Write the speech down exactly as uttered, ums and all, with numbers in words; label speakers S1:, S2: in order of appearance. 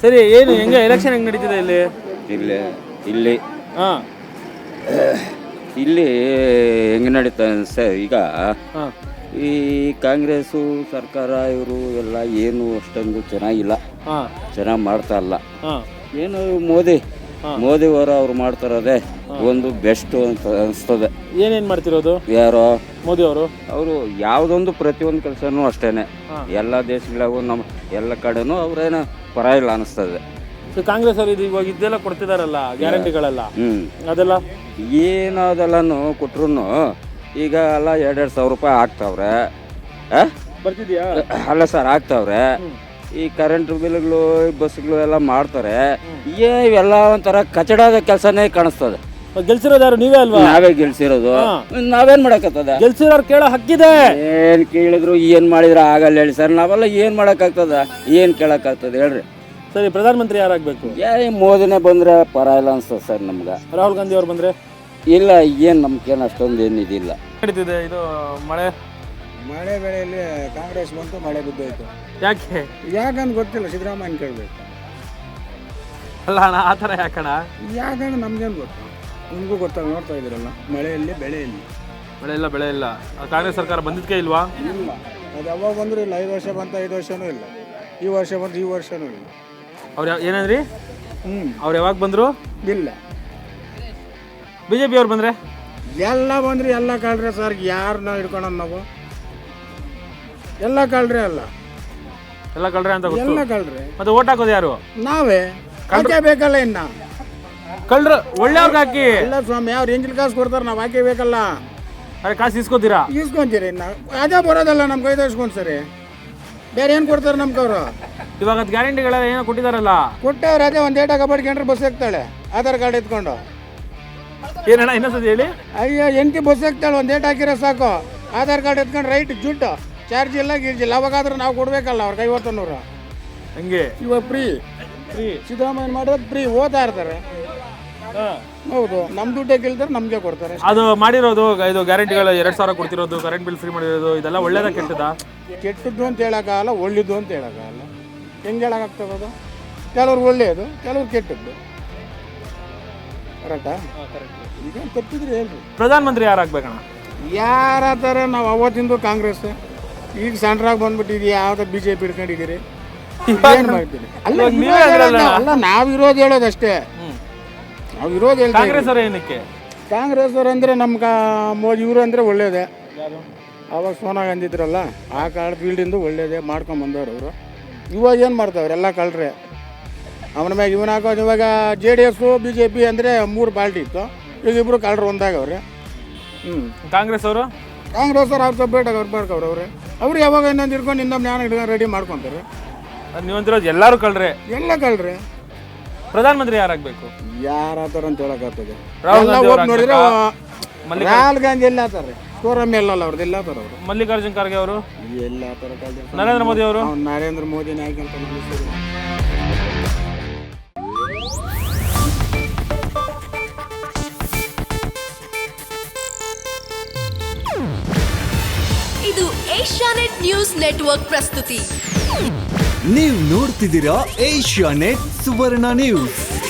S1: ಸರಿ, ಏನು ಹೆಂಗೆ ಎಲೆಕ್ಷನ್ ಹೆಂಗೆ ನಡೀತಿದೆ ಇಲ್ಲಿ?
S2: ಇಲ್ಲಿ ಇಲ್ಲಿ
S1: ಹಾಂ
S2: ಇಲ್ಲಿ ಹೆಂಗೆ ನಡೀತಾ ಸರ್ ಈಗ
S1: ಹಾಂ
S2: ಈ ಕಾಂಗ್ರೆಸ್ಸು ಸರ್ಕಾರ ಇವರು ಎಲ್ಲ ಏನು ಅಷ್ಟೊಂದು ಚೆನ್ನಾಗಿಲ್ಲ,
S1: ಹಾಂ
S2: ಚೆನ್ನಾಗಿ ಮಾಡ್ತಾ ಇಲ್ಲ.
S1: ಹಾಂ
S2: ಏನು ಮೋದಿ ಮೋದಿ ಅವರು ಅವ್ರು ಮಾಡ್ತಾರದೇ ಒಂದು ಬೆಸ್ಟ್ ಅಂತ ಅನಿಸ್ತದೆ.
S1: ಏನೇನು ಮಾಡ್ತಿರೋದು
S2: ಯಾರೋ
S1: ಮೋದಿ ಅವರು?
S2: ಅವರು ಯಾವುದೊಂದು ಪ್ರತಿಯೊಂದು ಕೆಲಸನೂ ಅಷ್ಟೇನೆ, ಎಲ್ಲ ದೇಶಗಳಿಗೂ ನಮ್ಮ ಎಲ್ಲ ಕಡೆನೂ ಅವ್ರೇನು ಪರ ಇಲ್ಲ ಅನಿಸ್ತದೆ.
S1: ಕಾಂಗ್ರೆಸ್ ಅವರು ಇದು ಇವಾಗ ಇದೆಲ್ಲ ಕೊಡ್ತಿದಾರಲ್ಲ ಗ್ಯಾರಂಟಿಗಳೆಲ್ಲ,
S2: ಹ್ಞೂ
S1: ಅದೆಲ್ಲ
S2: ಏನದೆಲ್ಲನೂ ಕೊಟ್ರು ಈಗ ಎಲ್ಲ ಎರಡೆರಡು ಸಾವಿರ ರೂಪಾಯಿ ಹಾಕ್ತಾವ್ರೆ.
S1: ಬರ್ತಿದ್ಯಾ?
S2: ಅಲ್ಲ ಸರ್, ಹಾಕ್ತಾವ್ರೆ. ಈ ಕರೆಂಟ್ ಬಿಲ್ಗಳು ಬಸ್ಗಳು ಎಲ್ಲ ಮಾಡ್ತಾರೆ. ಏ ಇವೆಲ್ಲ ಒಂಥರ ಕಚಡದ ಕೆಲಸನೇ ಕಾಣಿಸ್ತದೆ.
S1: ಗೆಲ್ಸಿರೋದು ಯಾರು? ನೀವೇ ಅಲ್ವಾ?
S2: ನಾವೇ ಗೆಲ್ಸಿರೋದು, ನಾವೇನ್ ಮಾಡಕತ್ತದ?
S1: ಗೆಲ್ಸಿರೋರು ಕೇಳೋ ಹಕ್ಕಿದೆ.
S2: ಏನ್ ಕೇಳಿದ್ರು ಏನ್ ಮಾಡಿದ್ರ ಆಗಲ್ಲ ಹೇಳಿ ಸರ್. ನಾವೆಲ್ಲ ಏನ್ ಮಾಡಕ್ಕಾಗ್ತದ, ಏನ್ ಕೇಳಕ್ಕಾಗ್ತದೆ ಹೇಳ್ರಿ?
S1: ಸರಿ, ಪ್ರಧಾನ ಮಂತ್ರಿ ಯಾರಾಗಬೇಕು?
S2: ಏ ಮೋದಿನೇ ಬಂದ್ರೆ ಪರ ಇಲ್ಲ ಅನ್ಸ್ತದೆ ಸರ್ ನಮ್ಗೆ.
S1: ರಾಹುಲ್ ಗಾಂಧಿ ಅವ್ರು ಬಂದ್ರೆ
S2: ಇಲ್ಲ, ಏನ್ ನಮ್ಗೇನು ಅಷ್ಟೊಂದು ಏನಿದಿಲ್ಲ.
S1: ನಡೀತಿದೆ ಇದು ಮಳೆ
S3: ಮಳೆ ಬೆಳೆಯಲ್ಲಿ ಕಾಂಗ್ರೆಸ್ ಬಂತು, ಮಳೆ ಬಿದ್ದೋಯ್ತು.
S1: ಯಾಕೆ?
S3: ಯಾಕಂತ ಗೊತ್ತಿಲ್ಲ, ಸಿದ್ದರಾಮಯ್ಯ ಕೇಳಬೇಕು.
S1: ಅಲ್ಲ ಅಣ್ಣ, ಆ ಥರ ಯಾಕಣ?
S3: ಯಾಕಂದ್ರೆ ನಮ್ಗೇನು ಗೊತ್ತು, ನಿಮಗೂ ಗೊತ್ತಾಗ ನೋಡ್ತಾ ಇದ್ದೀರಲ್ಲ, ಮಳೆಯಲ್ಲಿ ಬೆಳೆಯಲ್ಲಿ
S1: ಮಳೆ ಇಲ್ಲ, ಬೆಳೆ ಇಲ್ಲ. ಕಾಂಗ್ರೆಸ್ ಸರ್ಕಾರ ಬಂದಿದ್ದಕ್ಕೆ ಇಲ್ವಾ?
S3: ಇಲ್ಲ, ಅದು ಯಾವಾಗ ಬಂದರೂ ಇಲ್ಲ. ಐದು ವರ್ಷ ಬಂತ, ಐದು ವರ್ಷನೂ ಇಲ್ಲ. ಈ ವರ್ಷ ಬಂತು, ಈ ವರ್ಷನೂ ಇಲ್ಲ.
S1: ಅವ್ರು ಯಾವ ಏನಂದ್ರಿ?
S3: ಹ್ಞೂ
S1: ಅವ್ರು ಯಾವಾಗ ಬಂದರು?
S3: ಇಲ್ಲ.
S1: ಬಿ ಜೆ ಪಿ ಅವ್ರು ಬಂದರೆ
S3: ಎಲ್ಲ ಬಂದ್ರಿ, ಎಲ್ಲ ಕಳ್ರೆ ಸರ್. ಯಾರನ್ನ ಹಿಡ್ಕೊಳ್ಳೋಣ ನಾವು? ಎಲ್ಲ ಕಳ್ರೆ ಅಲ್ಲ,
S1: ಎಲ್ಲ ಕಳ್ರೆ ಅಂತ ಗೊತ್ತು.
S3: ಎಲ್ಲ ಕಳ್ರೆ.
S1: ಮತ್ತೆ ಓಟ್ ಹಾಕೋದು ಯಾರು?
S3: ನಾವೇ ಹಾಕೇ ಬೇಕಲ್ಲ. ಇನ್ನ
S1: ಕಳ್ರು ಒಳ್ಳೆಯವ್ರಿಗೆ ಹಾಕಿ.
S3: ಎಲ್ಲ ಸ್ವಾಮಿ, ಅವ್ರು ಎಂಜಿಲ್ ಕಾಸು ಕೊಡ್ತಾರೆ, ನಾವು ಹಾಕೇ ಬೇಕಲ್ಲ.
S1: ಅದೇ ಕಾಸು ಇಸ್ಕೋತೀರಾ?
S3: ಇಸ್ಕೊಂತೀರಿ. ಇನ್ನು ಅದೇ ಬರೋದಲ್ಲ ನಮ್ಮ ಕೈದ ಇಸ್ಕೊಂಡು ಸರಿ. ಬೇರೆ ಏನು ಕೊಡ್ತಾರೆ ನಮ್ಗೆ ಅವರು?
S1: ಇವಾಗ ಅದು ಗ್ಯಾರಂಟಿಗಳೆಲ್ಲ ಏನೋ ಕೊಟ್ಟಿದಾರಲ್ಲ,
S3: ಕೊಟ್ಟವ್ರು. ಅದೇ ಒಂದು ಏಟ ಕಬಡ್ಕೊಂಡ್ರೆ ಬಸ್ ಹಾಕ್ತಾಳೆ, ಆಧಾರ್ ಕಾರ್ಡ್ ಎತ್ಕೊಂಡು.
S1: ಏನಣ್ಣ ಇನ್ನೊಂದ್ಸತಿ ಹೇಳಿ?
S3: ಅಯ್ಯೋ, ಎಂಟಿ ಬಸ್ ಹಾಕ್ತಾಳೆ, ಒಂದು ಏಟ್ ಹಾಕಿರೋ ಸಾಕು. ಆಧಾರ್ ಕಾರ್ಡ್ ಎತ್ಕೊಂಡು ರೈಟ್ ಜುಟ್ಟು, ಚಾರ್ಜ್ ಇಲ್ಲ ಗೀರ್ಜ್ ಇಲ್ಲ. ಅವಾಗಾದ್ರೂ ನಾವು ಕೊಡ್ಬೇಕಲ್ಲ ಅವ್ರಿಗೆ ಐವತ್ತು ನೂರು.
S1: ಹಂಗೆ
S3: ಇವಾಗ ಫ್ರೀ
S1: ಫ್ರೀ
S3: ಸಿದ್ದರಾಮಯ್ಯ ಮಾಡೋದು ಫ್ರೀ. ಓದ್ತಾ ಇರ್ತಾರೆ. ಹೌದು, ನಮ್ಮ ದುಡ್ಡೇ ಕೇಳ್ತಾರೆ, ನಮಗೆ ಕೊಡ್ತಾರೆ.
S1: ಅದು ಮಾಡಿರೋದು ಇದು ಗ್ಯಾರಂಟಿಗಳು ಎರಡು ಸಾವಿರ ಕೊಡ್ತಿರೋದು, ಕರೆಂಟ್ ಬಿಲ್ ಫ್ರೀ ಮಾಡಿರೋದು, ಇದೆಲ್ಲ ಒಳ್ಳೇದ ಕೆಟ್ಟದ?
S3: ಕೆಟ್ಟದ್ದು ಅಂತ ಹೇಳೋಕ್ಕಾಗಲ್ಲ, ಒಳ್ಳೆದು ಅಂತ ಹೇಳೋಕ್ಕಾಗಲ್ಲ. ಹೆಂಗೆ ಹೇಳೋಕ್ಕಾಗ್ತದೆ? ಕೆಲವ್ರು ಒಳ್ಳೆಯದು, ಕೆಲವ್ರು ಕೆಟ್ಟದ್ದು. ಕರೆಕ್ಟಾ? ಈಗ ತಪ್ಪಿದ್ರೆ ಹೇಳ್ರಿ.
S1: ಪ್ರಧಾನ ಮಂತ್ರಿ ಯಾರಾಗಬೇಕಣ್ಣ?
S3: ಯಾರ ಥರ ನಾವು ಅವತ್ತಿಂದು ಕಾಂಗ್ರೆಸ್, ಈಗ ಸೆಂಟ್ರಾಗಿ ಬಂದ್ಬಿಟ್ಟಿದ್ವಿ. ಯಾವ್ದು ಬಿ ಜೆ ಪಿ ಹಿಡ್ಕೊಂಡಿದ್ದೀರಿ? ಏನು ಮಾಡ್ತೀರಿ? ಅಲ್ಲ ಅಲ್ಲ, ನಾವು ಇರೋದು ಹೇಳೋದಷ್ಟೇ. ನಾವು ಇರೋದು ಹೇಳಿ.
S1: ಕಾಂಗ್ರೆಸ್ ಅವ್ರ ಏನಕ್ಕೆ?
S3: ಕಾಂಗ್ರೆಸ್ ಅವ್ರು ಅಂದರೆ ನಮ್ಗೆ ಮೋದಿ ಇವರು ಅಂದರೆ ಒಳ್ಳೇದೇ. ಅವಾಗ ಸೋನಿಯಾ ಗಾಂಧಿ ಇದ್ರಲ್ಲ, ಆ ಕಾಲ ಫೀಲ್ಡಿಂದ ಒಳ್ಳೇದೇ ಮಾಡ್ಕೊಂಬಂದವ್ರು ಅವರು. ಇವಾಗ ಏನು ಮಾಡ್ತಾವ್ರೆ? ಎಲ್ಲ ಕಳ್ರೆ. ಅವನ ಮ್ಯಾಗ ಇವನ ಹಾಕೋದು. ಇವಾಗ J D S B J P ಅಂದರೆ ಮೂರು ಪಾರ್ಟಿ ಇತ್ತು, ಈಗ ಇಬ್ಬರು ಕಳ್ರು ಒಂದಾಗವ್ರೆ. ಹ್ಞೂ
S1: ಕಾಂಗ್ರೆಸ್ ಅವರು?
S3: ಕಾಂಗ್ರೆಸ್ ಅವ್ರು ಅವ್ರು ಸಬ್ಬೇಟಾಗಿ ಅವ್ರು ಮಾಡ್ಕವ್ರೆ. ಅವ್ರೆ ಅವ್ರು ಯಾವಾಗ ಇನ್ನೊಂದು ಹಿಡ್ಕೊಂಡು ಇನ್ನೊಂದು ಜ್ಞಾನ ಹಿಡ್ಕೊಂಡು ರೆಡಿ ಮಾಡ್ಕೊತಾರೆ.
S1: ಅದು ನೀವಂತಿರೋದು ಎಲ್ಲರೂ ಕಳ್ರೆ.
S3: ಎಲ್ಲ ಕಳ್ರೆ.
S1: ಪ್ರಧಾನ ಮಂತ್ರಿ ಯಾರಾಗಬೇಕು?
S3: ಯಾರ ಥರ ಅಂತ ಹೇಳೋಕ್ಕಾಗ್ತದೆ?
S1: ರಾಹುಲ್ ಗಾಂಧಿ
S3: ಹೋಗಿ ನೋಡಿದ್ರೆ
S1: ಮಲ್ಲಿಕ
S3: ರಾಹುಲ್ ಗಾಂಧಿ ಎಲ್ಲ ಆತಾರೆ, ಸ್ಕೋರಮ್ಮೆ ಎಲ್ಲಲ್ಲ ಅವ್ರದ್ದು ಎಲ್ಲ ಆತಾರೆ. ಅವರು
S1: ಮಲ್ಲಿಕಾರ್ಜುನ್ ಖರ್ಗೆ ಅವರು
S3: ಎಲ್ಲ ಥರ ಕಾಲ.
S1: ನರೇಂದ್ರ ಮೋದಿ ಅವರು?
S3: ನರೇಂದ್ರ ಮೋದಿ ನಾಯಕ ಅಂತ ನಿಲ್ಲಿಸ್ತಾರೆ.
S4: ಇದು ಏಷ್ಯಾನೆಟ್ ನ್ಯೂಸ್ ನೆಟ್ವರ್ಕ್ ಪ್ರಸ್ತುತಿ.
S5: ನೀವು ನೋಡ್ತಿದ್ದೀರಾ ಏಷ್ಯಾನೆಟ್ ಸುವರ್ಣ ನ್ಯೂಸ್.